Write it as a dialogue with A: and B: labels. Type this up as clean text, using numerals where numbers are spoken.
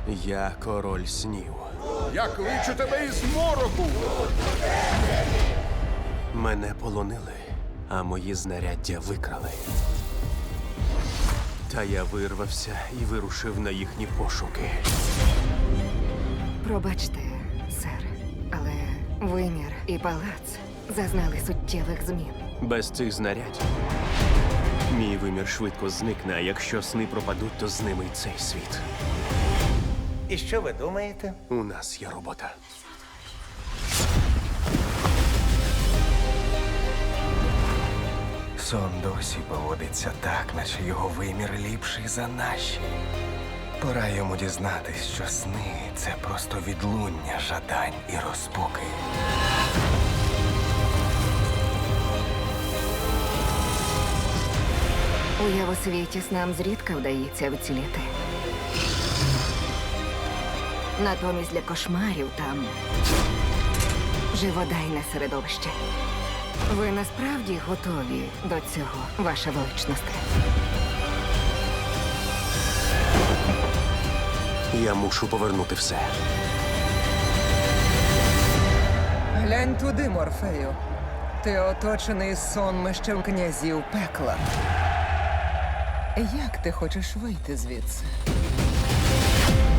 A: Я король снів.
B: Я кличу тебе із мороку!
A: Мене полонили, а мої знаряддя викрали. Та я вирвався і вирушив на їхні пошуки.
C: Пробачте, сер, але вимір і палац зазнали суттєвих змін.
A: Без цих знарядь мій вимір швидко зникне, а якщо сни пропадуть, то з ними й цей світ.
D: І що ви думаєте?
A: У нас є робота.
E: Сон досі поводиться так, наче його вимір ліпший за наші. Пора йому дізнатись, що сни — це просто відлуння жадань і розпуки.
C: У Явосвіті снам зрідка вдається вціліти. Натомість для кошмарів там живодайне середовище. Ви насправді готові до цього, ваша величність?
A: Я мушу повернути все.
F: Глянь туди, Морфею. Ти оточений сонмищем князів пекла. Як ти хочеш вийти звідси?